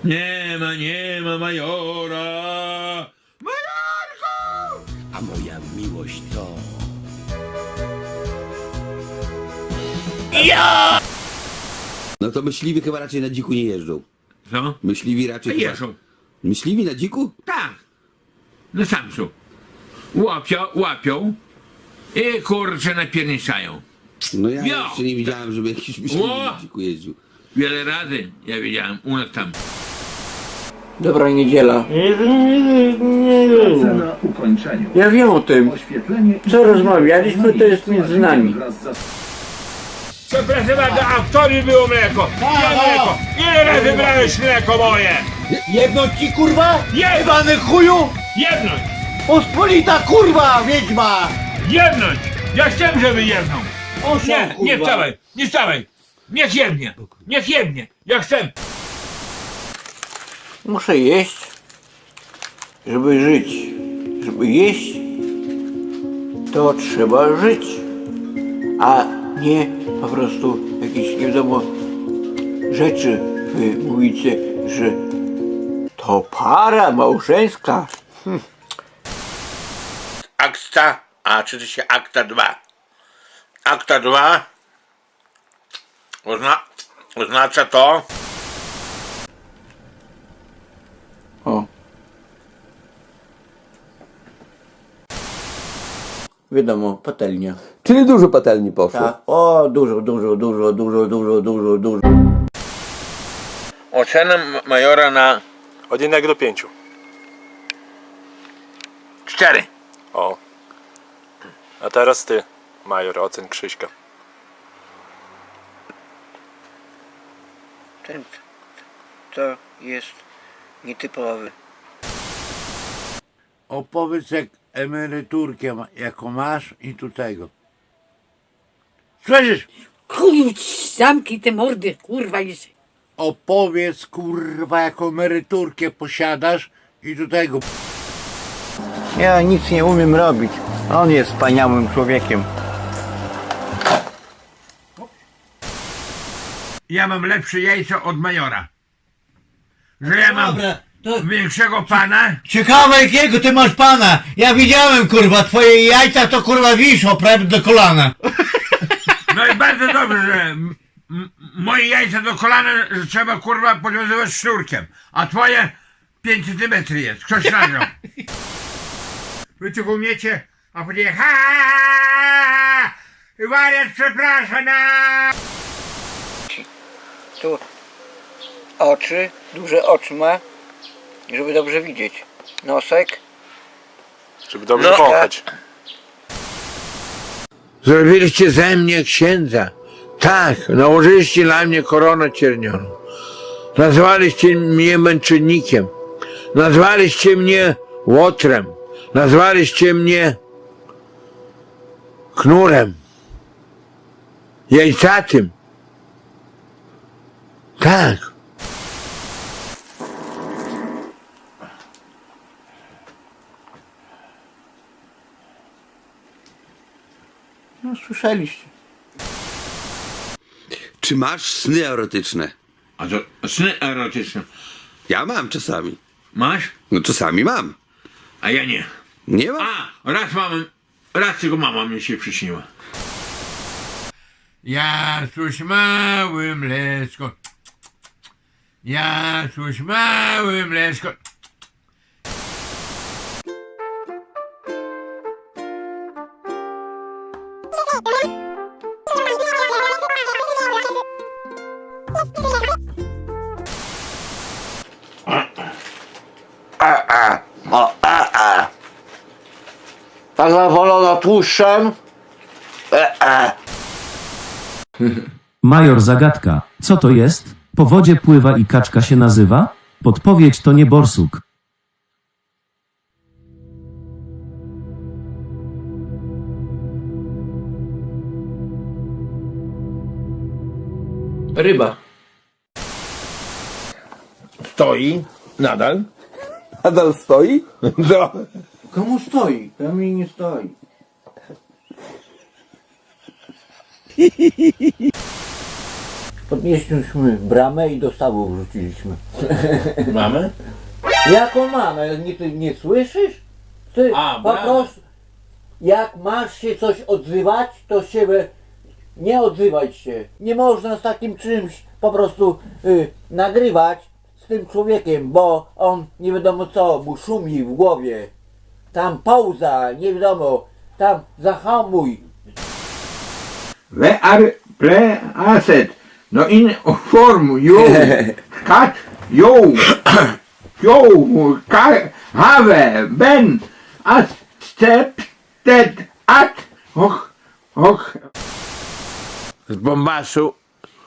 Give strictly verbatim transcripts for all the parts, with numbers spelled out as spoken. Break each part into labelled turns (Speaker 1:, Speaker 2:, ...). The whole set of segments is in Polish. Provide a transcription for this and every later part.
Speaker 1: Nie ma, nie ma majora. Majorku!
Speaker 2: A moja miłość to...
Speaker 1: Ja!
Speaker 2: No to myśliwi chyba raczej na dziku nie jeżdżą.
Speaker 1: Co?
Speaker 2: Myśliwi raczej chyba...
Speaker 1: Jeżdżą.
Speaker 2: Myśliwi na dziku?
Speaker 1: Tak. No sam są. Łapią, łapią i kurczę napierniczają.
Speaker 2: No ja
Speaker 1: Jo!
Speaker 2: jeszcze nie widziałem, żeby jakiś myśliwi
Speaker 1: Ło!
Speaker 2: na dziku jeździł.
Speaker 1: Wiele razy ja wiedziałem u nas tam.
Speaker 3: Dobra niedziela.
Speaker 4: Na ukończeniu.
Speaker 3: Ja wiem o tym.
Speaker 4: Oświetlenie i-
Speaker 3: Co rozmawialiśmy, to jest między nami.
Speaker 4: Wraz z
Speaker 1: Przepraszam bardzo, a w tobie było mleko. Gdzie mleko? Ile razy brałeś mleko moje?
Speaker 5: Jedno ci kurwa?
Speaker 1: Jedno!
Speaker 5: Jebany chuju!
Speaker 1: Jedność!
Speaker 5: Pospolita kurwa, wiedźma!
Speaker 1: Jedność! Ja chciałem, żeby jedną.
Speaker 5: Osią,
Speaker 1: Nie,
Speaker 5: kurwa.
Speaker 1: nie wstawaj, nie wstawaj. Niech jednie, niech jednie. Ja chcę.
Speaker 3: Muszę jeść, żeby żyć. Żeby jeść, to trzeba żyć. A nie po prostu jakieś nie wiadomo rzeczy. Wy mówicie, że to para małżeńska.
Speaker 6: Akta, a czyta się akta dwa. Akta dwa ozna, oznacza to,
Speaker 3: O. Wiadomo, patelnia.
Speaker 7: Czyli dużo patelni poszło.
Speaker 3: Tak. O, dużo, dużo, dużo, dużo, dużo, dużo, dużo.
Speaker 6: ocena majora na
Speaker 8: Od jednego do pięciu.
Speaker 6: cztery.
Speaker 8: O. A teraz ty, major, ocen Krzyśka.
Speaker 3: Ten to jest nietypowy.
Speaker 5: Opowiedz jak emeryturkę ma, jaką masz i tu tego. Słyszysz?
Speaker 9: Chuju, zamknij te mordy, kurwa jest.
Speaker 5: Opowiedz kurwa jaką emeryturkę posiadasz i tu tego.
Speaker 3: Ja nic nie umiem robić. On jest wspaniałym człowiekiem.
Speaker 1: Ja mam lepsze jajco od majora. Że ja mam
Speaker 5: Dobra, to
Speaker 1: większego pana.
Speaker 5: ciekawe jakiego ty masz pana. Ja widziałem kurwa, twoje jajca to kurwa wiszą prawie do kolana.
Speaker 1: No i bardzo dobrze, że m- m- moje jajca do kolana że trzeba kurwa podwiązywać sznurkiem. A twoje pięć centymetrów jest. Ktoś nagrał. Wy tylko umiecie, a później ha wariat przepraszam na...
Speaker 3: Tu oczy, duże oczy ma, żeby dobrze widzieć. Nosek.
Speaker 8: Żeby dobrze
Speaker 6: No.
Speaker 8: wąchać.
Speaker 1: Zrobiliście ze mnie księdza. Tak, nałożyliście na mnie koronę ciernioną. Nazwaliście mnie męczennikiem. Nazwaliście mnie łotrem. Nazwaliście mnie knurem. Jajcatym. Tak.
Speaker 3: No słyszeliście.
Speaker 2: Czy masz sny erotyczne?
Speaker 1: A to sny erotyczne.
Speaker 2: Ja mam czasami.
Speaker 1: Masz?
Speaker 2: No czasami mam.
Speaker 1: A ja nie.
Speaker 2: Nie mam?
Speaker 1: A, raz mam, raz tylko mama mi się przyśniła. Ja coś mały mleczko. Ja coś mały mleczko.
Speaker 3: Ta zawolona tłuszczem.
Speaker 10: Major zagadka. Co to jest? Po wodzie pływa i kaczka się nazywa? Podpowiedź to nie borsuk.
Speaker 3: Ryba.
Speaker 6: stoi nadal.
Speaker 7: Nadal stoi?
Speaker 6: No.
Speaker 3: Komu stoi? To mi nie stoi. Podnieśliśmy bramę i do stawu wrzuciliśmy.
Speaker 6: Mamy?
Speaker 3: Jaką mamę? Nie, ty nie słyszysz? Ty
Speaker 6: A,
Speaker 3: po
Speaker 6: bramę.
Speaker 3: prostu jak masz się coś odzywać, to się nie odzywaj się. Nie można z takim czymś po prostu y, nagrywać z tym człowiekiem, bo on nie wiadomo co, mu szumi w głowie. Tam pauza, nie wiadomo, tam zahamuj.
Speaker 1: We are play asset. No in form you cut you you ca- have been accepted at och och z Bombasu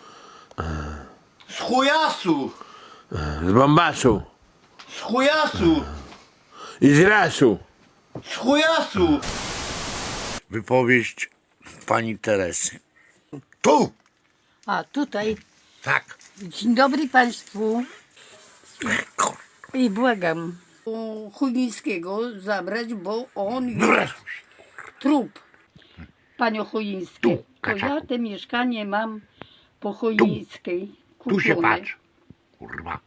Speaker 5: Z chujasu!
Speaker 1: z Bombasu
Speaker 5: Z chujasu!
Speaker 1: i z Rasu.
Speaker 5: Z chujasu!
Speaker 6: Wypowiedź pani Teresy.
Speaker 5: Tu!
Speaker 9: A tutaj,
Speaker 6: Tak.
Speaker 9: dzień dobry Państwu. I błagam u Chujińskiego zabrać, bo on jest trup. Panią Chujińskie, to ja te mieszkanie mam po Chujińskiej kupione.
Speaker 6: Tu się patrz. Kurwa.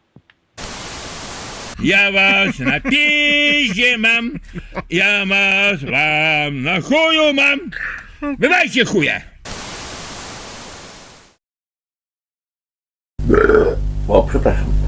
Speaker 1: Ja was na piździe mam, ja was wam na chuju mam. Bywajcie chuje.
Speaker 3: O, przepraszam.